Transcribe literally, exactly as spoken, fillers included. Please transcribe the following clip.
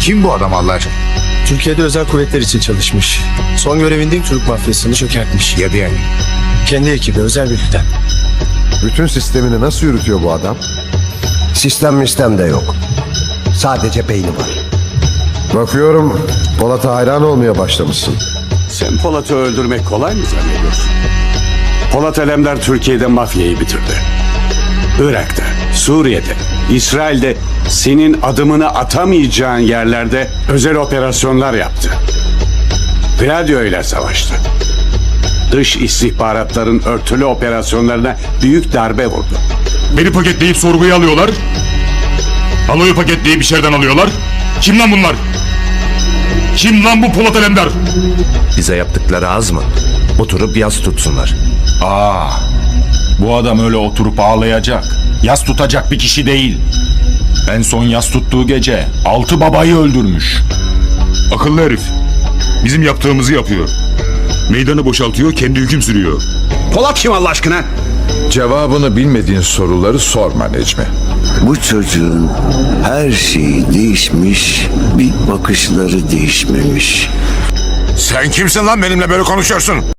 Kim bu adam Allah aşkına? Türkiye'de özel kuvvetler için çalışmış. Son görevinde Türk mafyasını çökertmiş. Ya yani? Kendi ekibi özel birlikten. Bütün sistemini nasıl yürütüyor bu adam? Sistem mistem de yok. Sadece beyni var. Bakıyorum Polat'a hayran olmaya başlamışsın. Sen Polat'ı öldürmek kolay mı zannediyorsun? Polat Alemdar Türkiye'de mafyayı bitirdi. Irak'ta, Suriye'de, İsrail'de senin adımını atamayacağın yerlerde özel operasyonlar yaptı. Gladio ile savaştı. Dış istihbaratların örtülü operasyonlarına büyük darbe vurdu. Beni paketleyip sorguya alıyorlar. Aloyu paketleyip içeriden alıyorlar. Kim lan bunlar? Kim lan bu Polat Alemdar? Bize yaptıkları az mı? Oturup yas tutsunlar. Aa, bu adam öyle oturup ağlayacak, yas tutacak bir kişi değil. En son yas tuttuğu gece altı babayı öldürmüş. Akıllı herif. Bizim yaptığımızı yapıyor. Meydanı boşaltıyor, kendi hüküm sürüyor. Polat kim Allah aşkına? Cevabını bilmediğin soruları sorma Necmi. Bu çocuğun her şeyi değişmiş, bir bakışları değişmemiş. Sen kimsin lan benimle böyle konuşuyorsun?